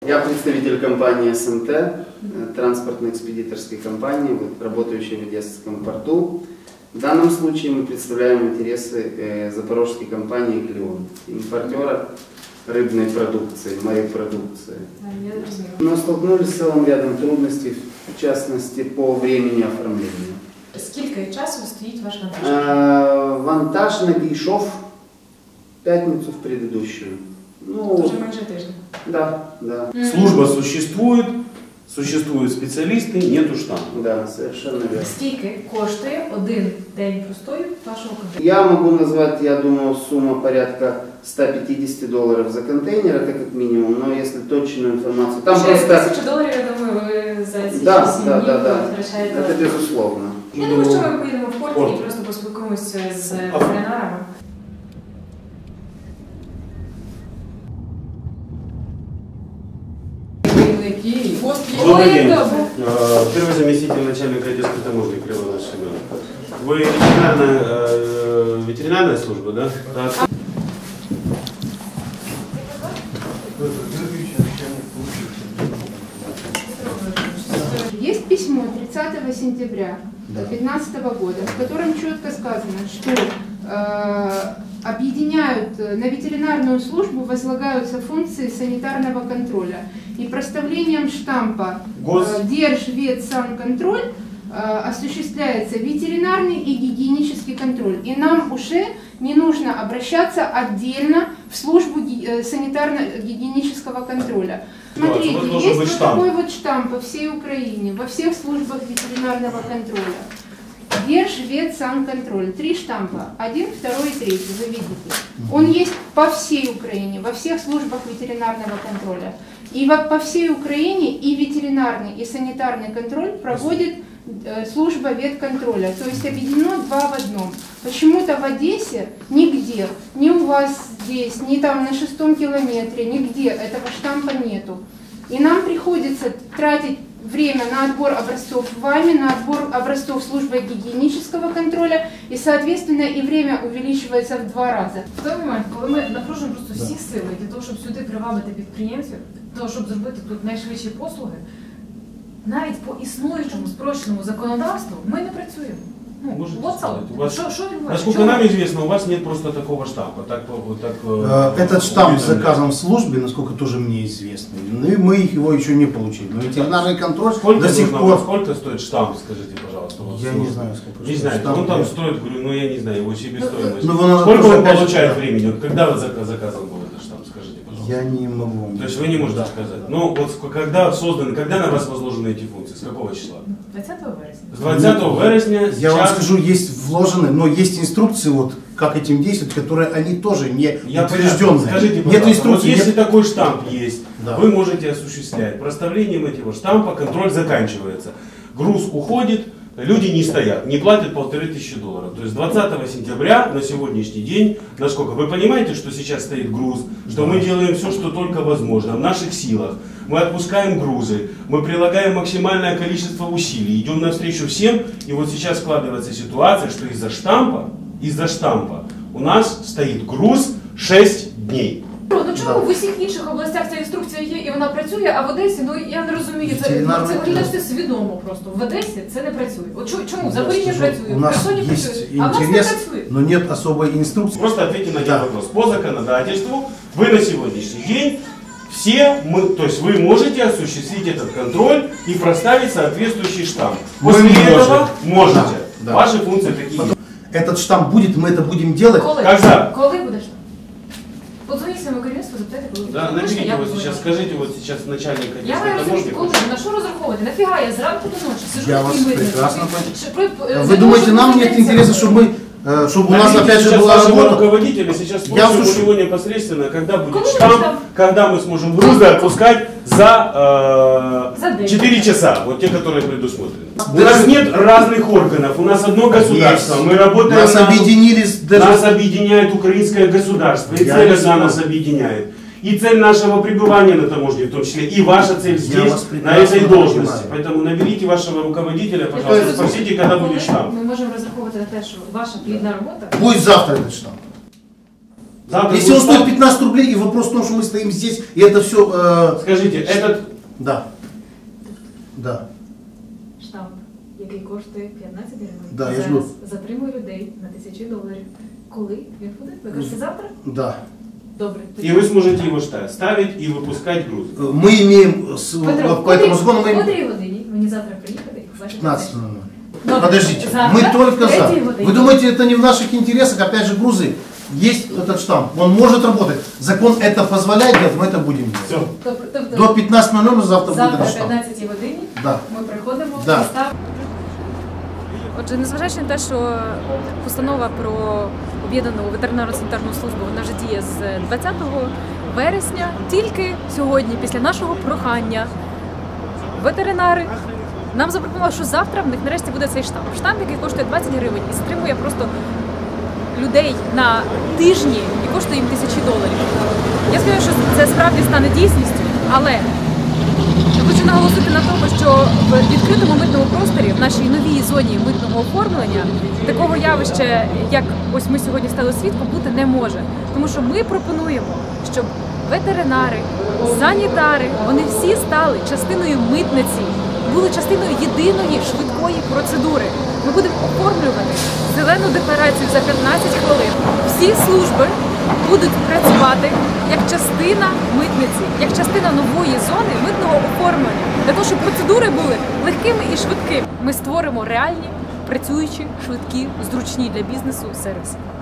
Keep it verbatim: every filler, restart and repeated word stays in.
Я представитель компании эс эм тэ, транспортно-экспедиторской компании, работающей в Одесском порту. В данном случае мы представляем интересы запорожской компании «Клеон», импортера рыбной продукции, моей продукции. Но столкнулись с целым рядом трудностей, в частности, по времени оформления. Сколько часу стоит ваш вантаж? Вантаж надійшов в пятницу в предыдущую. Ну, уже майже тиждень. Да, да. Служба существует, существуют специалисты, нету штампа. Да, совершенно верно. Скільки коштує один день простою вашого контейнера? Я могу назвать, я думаю, сумма порядка ста пятидесяти долларов за контейнер, это как минимум, но если точную информацию... Там Ще просто... тисячу доларів, я думаю, ви за ці Да, сім да, днів да, да. витрачаєте. Это безусловно. Я думаю, що ми поїдемо в порт і просто поспілкуємося з ветеринарами. Добрый день. Первый заместитель начальника Одесской таможни Кривонаш Семен. Вы ветеринарная, э, ветеринарная служба, да? Так. Есть письмо тридцатого сентября две тысячи пятнадцатого года, в котором четко сказано, что э, объединяют, на ветеринарную службу возлагаются функции санитарного контроля. И проставлением штампа э, Держветсанконтроль э, осуществляется ветеринарный и гигиенический контроль. И нам уже не нужно обращаться отдельно в службу э, санитарно-гигиенического контроля. Смотрите, да, есть вот штамп. Такой вот штамп по всей Украине, во всех службах ветеринарного контроля. Держветсанконтроль. Три штампа. Один, второй и третий. Вы видите. Он есть по всей Украине, во всех службах ветеринарного контроля. И по всей Украине и ветеринарный, и санитарный контроль проводит э, служба ветконтроля. То есть объединено два в одном. Почему-то в Одессе нигде, ни у вас здесь, ни там на шестом километре, нигде этого штампа нету. И нам приходится тратить время на отбор образцов вами, на отбор образцов службы гигиенического контроля, и, соответственно, и время увеличивается в два раза. В той момент, коли ми напружуємо просто всі сили для того, щоб сюди привабити підприємців, для того, щоб зробити тут найшвидші послуги, навіть по існуючому спрощеному законодавству ми не працюємо. Ну, вот вас, шо, шо насколько нам известно, у вас нет просто такого штампа. Так, так, Этот штамп заказан в службе, насколько тоже мне известно. И мы его еще не получили. Но ветеринарный контроль сколько до сих нужно, пор... Сколько стоит штамп, скажите, пожалуйста? Я не знаю, сколько не стоит знаю, штамп. Он там стоит, говорю, ну я не знаю, его себестоимость. Ну, ну, сколько он получает опять... времени? Вот когда вы заказан был этот штамп, скажите, пожалуйста? Я не могу. То есть вы не можете да. сказать. Ну вот когда созданы, когда на вас возложены эти функции? С какого числа? двадцатого вересня. С двадцатого вересня. Я сейчас... вам скажу, есть вложены, но есть инструкции, вот как этим действовать, которые они тоже не утвержденные. Скажите, пожалуйста, нет инструкции, вот если нет... такой штамп есть, да. вы можете осуществлять. Проставлением этого штампа контроль заканчивается. Груз уходит, люди не стоят, не платят полторы тысячи долларов. То есть двадцатого сентября на сегодняшний день, насколько вы понимаете, что сейчас стоит груз, что да. мы делаем все, что только возможно, в наших силах. Мы отпускаем грузы, мы прилагаем максимальное количество усилий, идем навстречу всем. И вот сейчас складывается ситуация, что из-за штампа, из-за штампа у нас стоит груз шесть дней. Ну чому в усіх інших областях ця інструкція є і вона працює, а в Одесі, ну я не розумію, це, це виглядає все свідомо просто. В Одесі це не працює. От чому? В Запоріжжі працює, в Херсоні працює, а в нас не працює. Но нет особой инструкции. Просто ответьте на этот вопрос. По законодательству вы на сегодняшний день все, мы, то есть вы можете осуществить этот контроль и проставить соответствующий штамп. После мы этого можете. Да, да. Ваши функции такие. Этот штамп будет, мы это будем делать. Коли? Когда? Коли буде штамп? Позвоните своему керівництву, запитайте, коли. Да, наберите его сейчас, скажите вот сейчас начальник Одесской таможни. Я таможни. коли, на що розраховувати? Нафіга я зранку до ночі сижу я в вас прекрасно понимаю. Вы думаете, нам нет интереса, чтобы мы чтобы у нас опять же была работа. Руководителя сейчас спросим у него непосредственно, когда будет штамп, когда мы сможем грузы отпускать за э, четыре часа, вот те, которые предусмотрены. У нас нет разных органов, у нас одно государство, есть. Мы работаем, нас, на, объединились даже... нас объединяет украинское государство, и цель одна нас объединяет. И цель нашего пребывания на таможне, в том числе, и ваша цель здесь, на этой должности. Понимаю. Поэтому наберите вашего руководителя, пожалуйста, спросите, когда будет штамп. Мы можем разраховывать на то, что ваша плідна работа. Будет завтра этот штамп. Завтра Если он будет стоит штамп. пятнадцать рублей, и вопрос в том, что мы стоим здесь, и это все... Э, Скажите, этот... да. Да. Штамп, який коштує п'ятнадцять гривень, Да, я зараз жду. затримує людей на тисячі доларів. Коли він буде? Ви кажете завтра? Да. Добре. И вы сможете его ста- ставить и выпускать грузы. Э, Мы имеем, с, Петро, вот по этому закону мы в имеем... котрій годині мені завтра приїхати і побачити? пятнадцать ноль ноль. Добре. Подождите, Завтра мы только в за. третій годині. Вы думаете, это не в наших интересах? Опять же, грузы. Есть этот штамп, он может работать. Закон это позволяет делать, мы это будем делать. Все. Тобто, тобто До пятнадцать ноль ноль завтра будет завтра этот о штамп. п'ятнадцятій годині Да. ми приходимо Да. і ставимо. Отже, незважаючи на те, що постанова про об'єднану ветеринарно-санітарну службу вона вже діє з двадцятого вересня, тільки сьогодні, після нашого прохання, ветеринари нам запропонували, що завтра в них нарешті буде цей штамп. Штамп, який коштує двадцять гривень і стримує просто людей на тижні і коштує їм тисячі доларів. Я сподіваюся, що це справді стане дійсністю, але я хочу наголосити на тому, що в відкритому митному просторі, в нашій новій зоні митного оформлення, такого явища, як ось ми сьогодні стали свідком, бути не може. Тому що ми пропонуємо, щоб ветеринари, санітари, вони всі стали частиною митниці, були частиною єдиної швидкої процедури. Ми будемо оформлювати зелену декларацію за п'ятнадцять хвилин. Всі служби будуть працювати як частина митниці, як частина нової зони митного оформлення, для того, щоб процедури були легкими і швидкими. Ми створимо реальні, працюючі, швидкі, зручні для бізнесу сервіси.